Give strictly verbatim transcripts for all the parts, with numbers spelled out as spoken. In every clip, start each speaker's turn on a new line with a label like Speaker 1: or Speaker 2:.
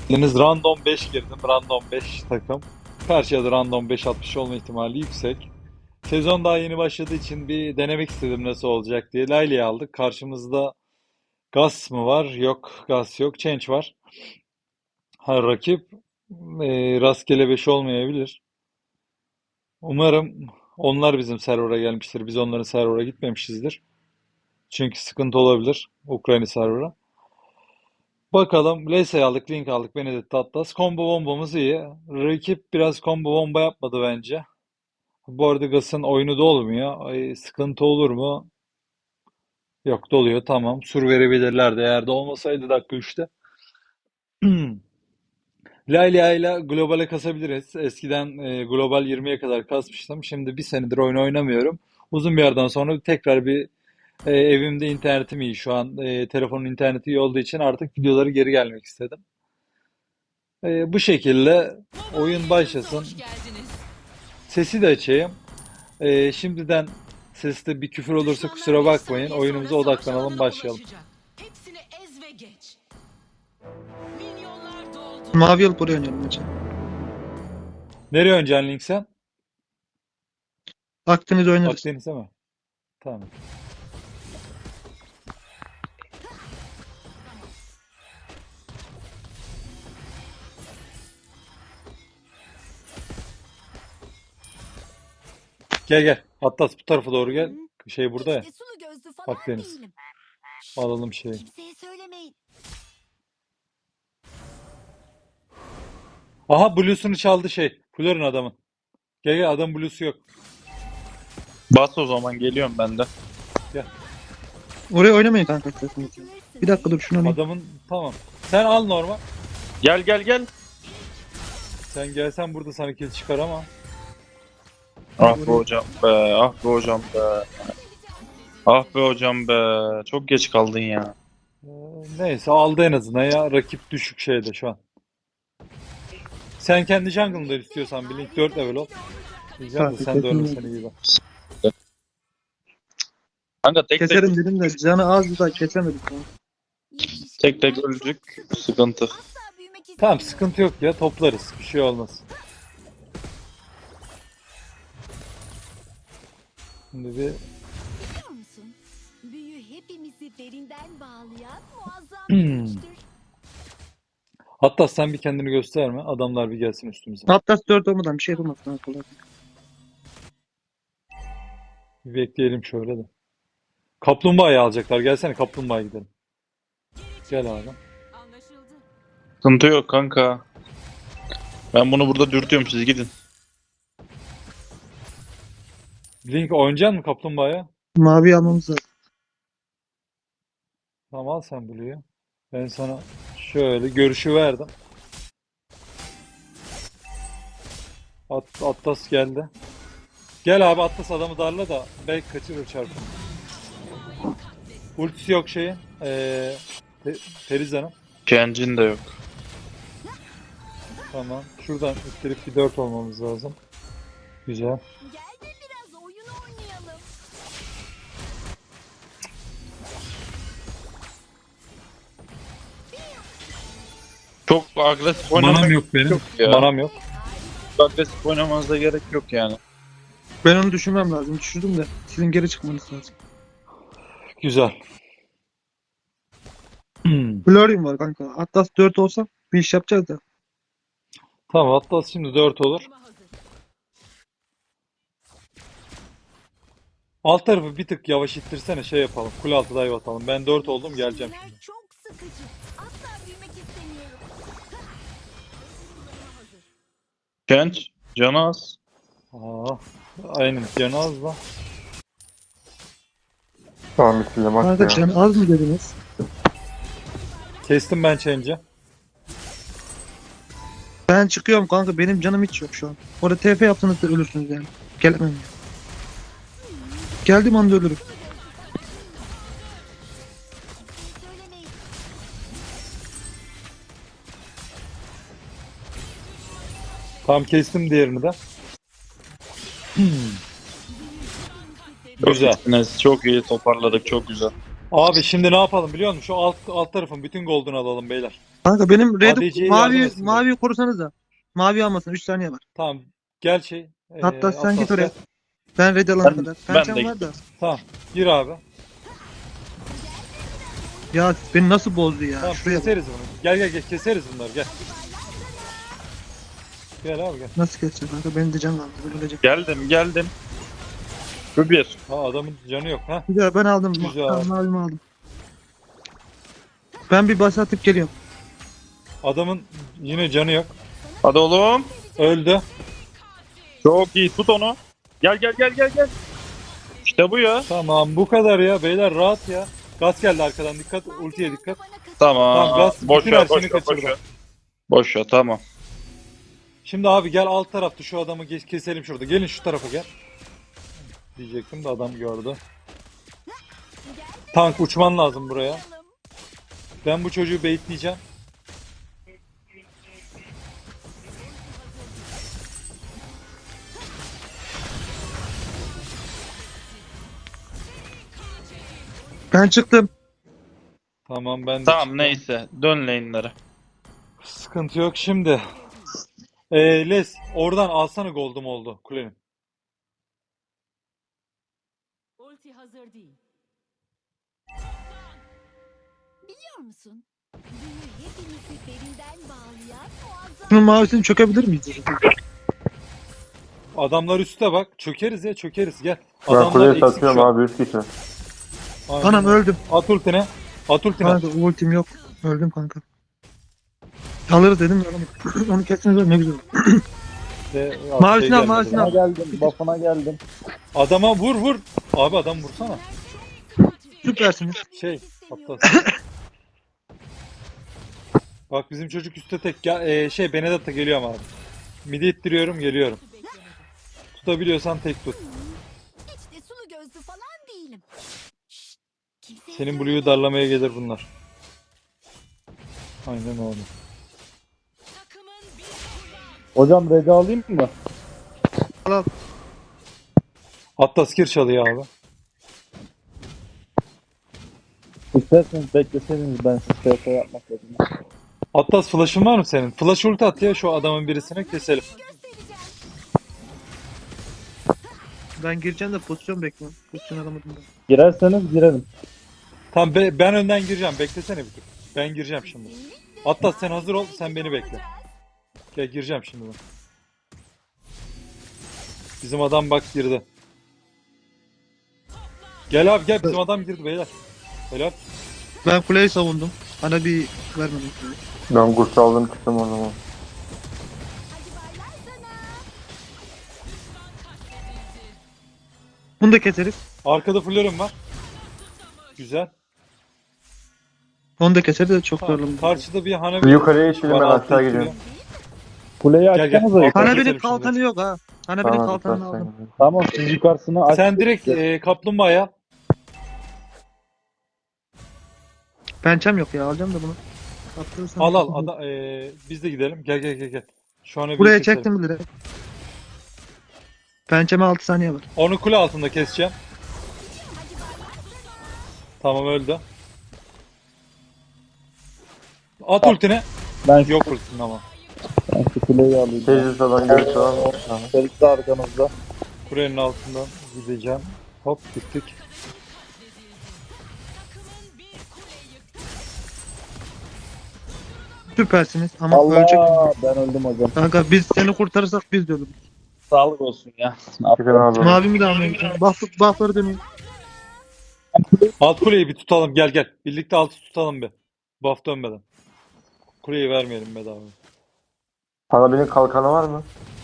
Speaker 1: Deniz random beş girdim. Random beş takım. Karşıya da random beş atmış olma ihtimali yüksek. Sezon daha yeni başladığı için bir denemek istedim nasıl olacak diye. Layle'yi aldık. Karşımızda Gas mı var? Yok. Gas yok. Change var. Ha, rakip e, rastgele beş olmayabilir. Umarım onlar bizim server'a gelmiştir. Biz onların server'a gitmemişizdir. Çünkü sıkıntı olabilir. Ukrayna server'a. Bakalım. Lese aldık. Link aldık. Benedetta Atlas. Combo bombamız iyi. Rakip biraz combo bomba yapmadı bence. Bu arada Gas'ın oyunu da olmuyor. Ay, sıkıntı olur mu? Yok, doluyor. Tamam. Sur verebilirlerdi. Eğer de olmasaydı dakika üçte. Layla ile globale kasabiliriz. Eskiden e, global yirmiye kadar kasmıştım. Şimdi bir senedir oyun oynamıyorum. Uzun bir yerden sonra tekrar bir e, evimde internetim iyi. Şu an e, telefonun interneti iyi olduğu için artık videoları geri gelmek istedim. E, bu şekilde
Speaker 2: Baba
Speaker 1: oyun
Speaker 2: oyunumuza
Speaker 1: başlasın.
Speaker 2: hoş geldiniz.
Speaker 1: Sesi de açayım. E, şimdiden seste bir küfür olursa
Speaker 2: Düşmanlar
Speaker 1: kusura
Speaker 2: bir
Speaker 1: bakmayın.
Speaker 2: saniye sonra
Speaker 1: Oyunumuza
Speaker 2: savaş
Speaker 1: odaklanalım,
Speaker 2: alanına
Speaker 1: başlayalım.
Speaker 2: ulaşacak. Hepsini ez ve geç. Milyonlar doldu.
Speaker 3: Mavi alıp oraya oynayalım maçı.
Speaker 1: Nereye oynayacaksın Link sen?
Speaker 3: Akdeniz oynarız.
Speaker 1: Akdeniz'e mi? Tamam. Gel gel. Atlas bu tarafa doğru gel. Şey burada ya.
Speaker 4: Hiç de sulu gözlü falan
Speaker 1: Akdeniz.
Speaker 4: değilim.
Speaker 1: Alalım şeyi.
Speaker 4: Kimseye söylemeyin.
Speaker 1: Aha, Blue'sunu çaldı şey. Flor'un adamın. Gel gel, adam Blue'su yok.
Speaker 5: Bas o zaman geliyorum ben de.
Speaker 1: Gel.
Speaker 3: Oraya oynamayın kanka. Bir dakika dur şunu alayım.
Speaker 1: Adamın tamam. Sen al normal.
Speaker 5: Gel gel gel.
Speaker 1: Sen gelsen burada sana kill çıkar ama.
Speaker 5: Ah be hocam be, ah be hocam be. Ah be hocam be. Çok geç kaldın ya.
Speaker 1: Ee, neyse, aldı en azından ya. Rakip düşük şeyde şu an. Sen kendi jungle'ında istiyorsan bir Link dört level ol. Diyeceğim de
Speaker 3: Kanka,
Speaker 1: sen de
Speaker 3: kesin
Speaker 1: ölmesen iyi bak.
Speaker 5: Kanka tek tek
Speaker 3: Keserim dedim de canı azdı da kesemedik. ya.
Speaker 5: tek tek öldük. Sıkıntı.
Speaker 4: Asla büyümek
Speaker 1: Tamam,
Speaker 4: istemiyorum.
Speaker 1: sıkıntı yok ya, toplarız. Bir şey olmaz. Şimdi bir
Speaker 4: Biliyor musun? Büyü hepimizi derinden bağlayan muazzam bir güçtür.
Speaker 1: hatta sen bir kendini gösterme. Adamlar bir gelsin üstümüze.
Speaker 3: Atlas dört olmadan bir şey yapamaz kanka. kolay.
Speaker 1: Bir bekleyelim şöyle de. Kaplumbağayı alacaklar. Gelsene kaplumbağaya gidelim. Gel abi.
Speaker 2: Anlaşıldı.
Speaker 5: Sıkıntı yok kanka. Ben bunu burada dürtüyorum, siz gidin.
Speaker 1: Link oynayacaksın mı kaplumbağaya?
Speaker 3: Mavi almamız lazım.
Speaker 1: Tamam, al sen Blue'yu. Ben sana şöyle görüşü verdim. At, Atlas geldi. Gel abi, Atlas adamı darla da belki kaçırır çarpı. Ultisi yok şeyin. Ee, Te Teriza'nın.
Speaker 5: Kencin de yok.
Speaker 1: Tamam. Şuradan üstelik bir dört olmamız lazım. Güzel.
Speaker 4: Gel de biraz oyun oynayalım.
Speaker 5: Çok agresif
Speaker 1: Manam
Speaker 5: oynamak
Speaker 1: yok benim.
Speaker 5: yok ya.
Speaker 1: Manam yok.
Speaker 5: Çok agresif oynamanıza gerek yok yani.
Speaker 3: Ben onu düşürmem lazım. Düşürdüm de sizin geri çıkmanız lazım.
Speaker 1: Güzel.
Speaker 3: Florian var kanka. Atlas dört olsa bir iş yapacağız da.
Speaker 1: Tamam, Atlas şimdi dört olur.
Speaker 2: Bomba hazır.
Speaker 1: Alt tarafı bir tık yavaş ittirsene, şey yapalım. Kule altı dive atalım. Ben dört oldum, geleceğim
Speaker 4: Şeyler
Speaker 1: şimdi.
Speaker 4: çok sıkıcı. Asla büyümek istemiyorum.
Speaker 5: Kenç, canı az.
Speaker 1: Aa, aynen canı az da.
Speaker 6: Tamam bitirdim bak
Speaker 3: Kanka
Speaker 6: ya.
Speaker 3: can az mı dediniz?
Speaker 1: Kestim ben change'i.
Speaker 3: Ben çıkıyorum kanka. Benim canım hiç yok şu an. Orada T F yapsanız da ölürsünüz yani. Gelemem ya. Geldiğim anda ölürüm.
Speaker 4: Söylemeyin.
Speaker 1: Tamam, kestim diğerini de.
Speaker 5: Çok
Speaker 1: Güzel.
Speaker 5: iyisiniz, çok iyi toparladık, çok güzel.
Speaker 1: Abi şimdi ne yapalım biliyor musun? Şu alt alt tarafın bütün gold'unu alalım beyler.
Speaker 3: Kanka benim red
Speaker 1: A D C'ye yardım
Speaker 3: mavi
Speaker 1: etsin
Speaker 3: mavi korusanız da. Mavi almasın. üç saniye var.
Speaker 1: Tamam. Gel şey. Ee,
Speaker 3: Hatta sen git
Speaker 1: Atlas
Speaker 3: oraya.
Speaker 1: gel.
Speaker 3: Ben red alana
Speaker 5: Ben,
Speaker 3: kadar.
Speaker 5: ben
Speaker 3: Pençem
Speaker 5: de
Speaker 3: var
Speaker 5: gittim.
Speaker 3: da.
Speaker 1: Tamam. Gir abi.
Speaker 3: Ya beni nasıl bozdu ya?
Speaker 1: Tamam
Speaker 3: Şuraya bak.
Speaker 1: keseriz bunu. Gel gel gel keseriz bunları gel. Gel abi gel.
Speaker 3: Nasıl kesecek kanka? Benim de can kaldı. Ben öleceğim.
Speaker 5: Geldim geldim. Şu bir.
Speaker 1: Ha adamın canı yok ha.
Speaker 3: Güzel ben aldım.
Speaker 1: Güzel.
Speaker 3: Tamam, mavimi aldım. Ben bir bas atıp geliyorum.
Speaker 1: Adamın yine canı yok.
Speaker 5: Hadi oğlum.
Speaker 1: Öldü.
Speaker 5: Çok iyi, tut onu. Gel gel gel gel gel. İşte bu ya.
Speaker 1: Tamam bu kadar ya beyler rahat ya. Gaz geldi arkadan dikkat ultiye dikkat.
Speaker 5: Tamam.
Speaker 1: Tamam, gaz-
Speaker 5: boş
Speaker 1: bütün her
Speaker 5: ver, boş
Speaker 1: şeyini
Speaker 5: ver, boş
Speaker 1: kaçırdı.
Speaker 5: ver. Boş ver, tamam.
Speaker 1: Şimdi abi gel alt tarafta şu adamı geç- keselim şurada. Gelin şu tarafa gel. Diyecektim de adam gördü. Tank uçman lazım buraya. Ben bu çocuğu baitleyeceğim.
Speaker 3: Ben çıktım.
Speaker 1: Tamam ben de
Speaker 5: Tamam
Speaker 1: çıktım.
Speaker 5: neyse. Dön lane'lere.
Speaker 1: Sıkıntı yok şimdi. Ee, Les oradan alsana gold'um oldu kulenin.
Speaker 2: Ulti hazır değil.
Speaker 4: Biliyor musun? Büyü hepimizi derinden bağlayan muazzam.
Speaker 3: Şunun mavisini çökebilir miyiz?
Speaker 1: Adamlar üstte bak. Çökeriz ya çökeriz gel.
Speaker 6: Ben
Speaker 1: Adamlar
Speaker 6: kuleye
Speaker 1: eksik
Speaker 6: satıyorum
Speaker 1: şu an.
Speaker 6: abi üst kişi.
Speaker 1: Aynen.
Speaker 3: Anam öldüm.
Speaker 1: At ultine. At ultine.
Speaker 3: Kanka ultim yok. Öldüm kanka. Alırız dedim ya. Onu, onu kessiniz ne güzel.
Speaker 1: De,
Speaker 3: Mavisini
Speaker 1: şey
Speaker 3: al,
Speaker 1: gelmedi.
Speaker 3: mavisini al.
Speaker 5: geldim. Buff'ına geldim.
Speaker 1: Adama vur vur. Abi adam vursana.
Speaker 3: Süpersiniz.
Speaker 1: Şey hatta. Bak bizim çocuk üstte tek. Gel, e, şey Benedetta geliyor ama abi. Midi ittiriyorum geliyorum. Tutabiliyorsan tek tut.
Speaker 4: Hiç de sulu gözlü falan değilim. Şşt, kimseye
Speaker 1: Senin
Speaker 4: söyleme.
Speaker 1: Blue'yu darlamaya gelir bunlar. Aynen öyle.
Speaker 2: Takımın bir kurban.
Speaker 5: Hocam redi alayım mı?
Speaker 3: Al al.
Speaker 1: Atlas gir çalıyor abi.
Speaker 5: İsterseniz bekleseydiniz ben siz T F yapmak dedim.
Speaker 1: Atlas flash'ın var mı senin? Flash ulti at ya şu adamın birisine keselim.
Speaker 3: Ben gireceğim de pozisyon bekliyorum. Pozisyon alamadım ben.
Speaker 5: Girerseniz girelim.
Speaker 1: Tamam be- ben önden gireceğim. Beklesene bir tık. Ben gireceğim şimdi. Atlas sen hazır ol. Sen beni bekle. Gel gireceğim şimdi ben. Bizim adam bak girdi. Gel abi gel bizim adam girdi beyler. Helal.
Speaker 3: Ben kuleyi savundum. Bana bir vermedim.
Speaker 6: Ben kurs aldım çıktım o zaman.
Speaker 4: Hadi baylar sana.
Speaker 3: Bunu da keseriz.
Speaker 1: Arkada fullerim var. Güzel.
Speaker 3: Onu da keseriz de çok
Speaker 1: Tamam.
Speaker 3: zorlandım.
Speaker 1: Karşıda bir Hanabi
Speaker 6: Bir yukarıya geçelim ben
Speaker 1: var, altta
Speaker 6: aşağı
Speaker 1: ittiriyor.
Speaker 6: gidiyorum.
Speaker 5: Kuleyi
Speaker 1: Gel, gel.
Speaker 5: açsanıza
Speaker 1: Bak,
Speaker 5: yukarı.
Speaker 3: Hana
Speaker 1: keselim
Speaker 3: benim
Speaker 1: şimdi.
Speaker 3: kalkanı yok ha. Hana benim
Speaker 6: Tamam hadi
Speaker 3: kalkanını
Speaker 6: sen
Speaker 3: aldım.
Speaker 6: gel.
Speaker 5: Tamam siz yukarısını aç.
Speaker 1: Sen direkt e, kaplumbağaya.
Speaker 3: Pençem yok ya alacağım da bunu. Attırırsam.
Speaker 1: Al al. Ada, e, biz de gidelim. Gel gel gel gel. Şu an bir
Speaker 3: Buraya
Speaker 1: keselim.
Speaker 3: çektim bile. Pençeme altı saniye var.
Speaker 1: Onu kule altında keseceğim. Tamam öldü. At ultine.
Speaker 5: Ben
Speaker 1: Yok ultin ama.
Speaker 5: Ben şu kuleyi alayım.
Speaker 6: Teyze falan görüş falan. Tamam.
Speaker 5: Ferit de arkanızda.
Speaker 1: Kulenin altından gideceğim. Hop gittik.
Speaker 2: Takımın bir kule yıktı.
Speaker 3: Süpersiniz ama ölecek.
Speaker 5: Allah ben öldüm hocam.
Speaker 3: Kanka biz seni kurtarırsak biz de ölürüz.
Speaker 5: Sağlık olsun ya.
Speaker 6: Çıkın abi.
Speaker 3: Mavimi de almayayım. Buff, buffları dönüyor.
Speaker 1: Alt kuleyi bir tutalım. Gel gel. Birlikte altı tutalım bir. Buff dönmeden. Kuleyi vermeyelim bedava.
Speaker 6: Hanabi'nin kalkanı var mı?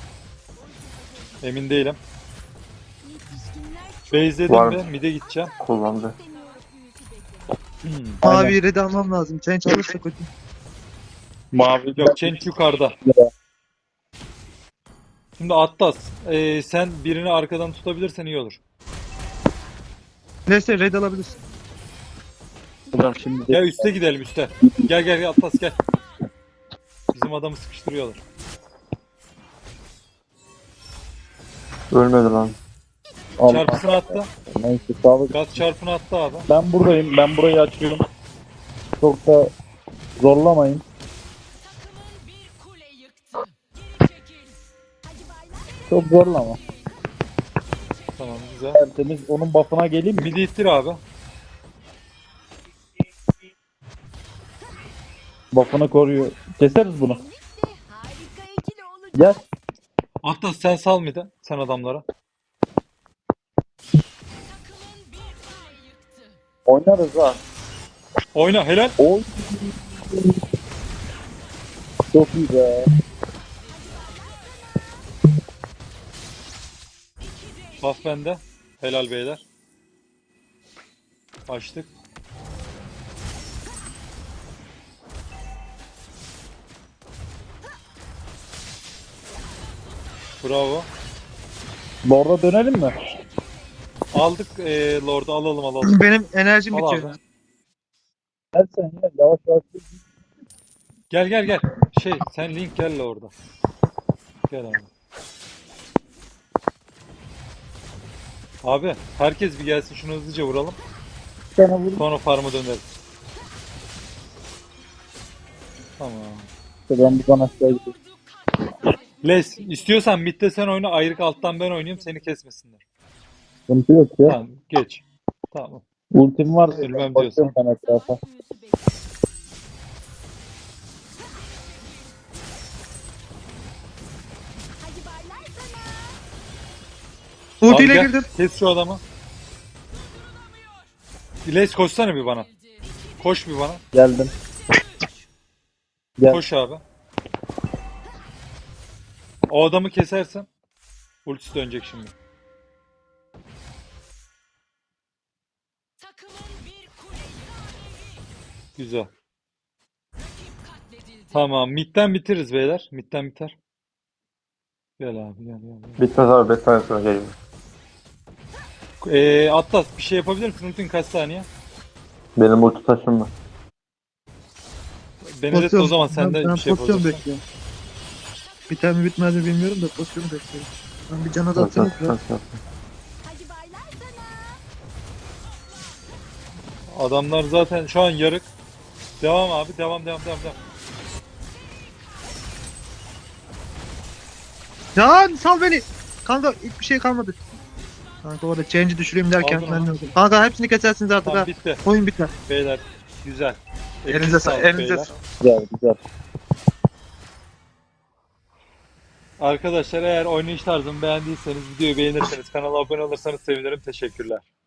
Speaker 1: Emin değilim.
Speaker 4: Yetişkinler
Speaker 1: Base'ledim
Speaker 6: Var.
Speaker 1: ve mid'e gideceğim.
Speaker 6: Kullandı.
Speaker 4: istemiyor büyüsü beklemek.
Speaker 1: Hmm.
Speaker 3: Mavi red almam lazım. Change alırsa kötü.
Speaker 5: Mavi.
Speaker 1: Yok Change yukarıda. Şimdi Atlas. e, sen birini arkadan tutabilirsen iyi olur.
Speaker 3: Neyse red alabilirsin.
Speaker 5: Hocam şimdi
Speaker 1: Gel üste gidelim üste. Gel gel gel Atlas gel. Bizim adamı sıkıştırıyorlar.
Speaker 6: Ölmedi lan.
Speaker 5: Allah.
Speaker 1: Çarpısını attı.
Speaker 5: Neyse sağlık.
Speaker 1: Gaz çarpını attı abi.
Speaker 5: Ben buradayım. Ben burayı açıyorum. Çok da zorlamayın. Çok zorlama.
Speaker 1: Tamam güzel.
Speaker 5: Tertemiz. Onun buff'ına geleyim mi?
Speaker 1: Midi ittir abi.
Speaker 5: Buff'ını koruyor. Keseriz bunu.
Speaker 4: Birlikte harika ikili olacak.
Speaker 5: Gel.
Speaker 1: Atlas sen sal midi. Sen adamlara.
Speaker 2: Takımın bir kuleyi yıktı.
Speaker 5: Oynarız ha.
Speaker 1: Oyna helal.
Speaker 5: Oy. Çok iyi be.
Speaker 1: Buff bende. Helal beyler. Açtık. Bravo.
Speaker 5: Lord'a dönelim mi?
Speaker 1: Aldık eee Lord'u alalım alalım.
Speaker 3: Benim enerjim
Speaker 1: Al
Speaker 3: bitiyor.
Speaker 1: abi.
Speaker 5: Gel sen gel. Yavaş yavaş.
Speaker 1: Gel gel gel. Şey sen Link gel orada. Gel abi. Abi herkes bir gelsin şunu hızlıca vuralım.
Speaker 5: Bir tane vur.
Speaker 1: Sonra farm'a döneriz. Tamam.
Speaker 5: Ben buradan aşağı gidiyorum.
Speaker 1: Les istiyorsan midde sen oyna ayrık alttan ben oynayayım seni kesmesinler.
Speaker 5: Sıkıntı yok ya.
Speaker 1: Tamam geç. Tamam.
Speaker 5: Ultim var.
Speaker 1: Ölmem
Speaker 5: Bakıyorum ben etrafa.
Speaker 2: Büyüsü bekliyor.
Speaker 4: Hadi barlar sana.
Speaker 1: Abi
Speaker 3: Ultiyle
Speaker 1: gel,
Speaker 3: girdim.
Speaker 1: kes şu adamı. Les koşsana bir bana. Koş bir bana.
Speaker 5: Geldim. Gel.
Speaker 1: Koş abi. O adamı kesersen ultisi dönecek şimdi.
Speaker 2: Takımın bir kuleyi
Speaker 1: Güzel.
Speaker 2: katledildi.
Speaker 1: Tamam. Mid'den bitiririz beyler. Mid'den biter. Gel abi gel gel. gel.
Speaker 6: Bitmez abi beş saniye sonra geliyor.
Speaker 1: Ee, Atlas bir şey yapabilir misin? Ultin kaç saniye?
Speaker 6: Benim ulti taşım var.
Speaker 1: Benedetta
Speaker 3: Pozisyon-
Speaker 1: o zaman sen
Speaker 3: ben,
Speaker 1: de
Speaker 3: ben
Speaker 1: bir şey
Speaker 3: pozisyon
Speaker 1: yapacaksın.
Speaker 3: bekliyorum. Biter mi bitmez mi bilmiyorum da pozisyonu bekliyorum. Ben bir cana da atsanız biraz.
Speaker 4: Hadi barlar sana.
Speaker 1: Adamlar zaten şu an yarık. Devam abi. Devam devam devam devam.
Speaker 3: Ya sal beni. Kanka hiçbir şey kalmadı. Kanka orada change'i düşüreyim derken
Speaker 1: Aldın
Speaker 3: ben
Speaker 1: ama.
Speaker 3: de öldüm. Kanka hepsini kesersiniz artık
Speaker 1: Tamam
Speaker 3: ha.
Speaker 1: bitti.
Speaker 3: Oyun biter.
Speaker 1: Beyler. Güzel.
Speaker 3: Elinize sağlık. Elinize
Speaker 1: beyler.
Speaker 3: sağlık.
Speaker 5: Güzel güzel.
Speaker 1: Arkadaşlar eğer oynayış tarzımı beğendiyseniz videoyu beğenirseniz kanala abone olursanız sevinirim. Teşekkürler.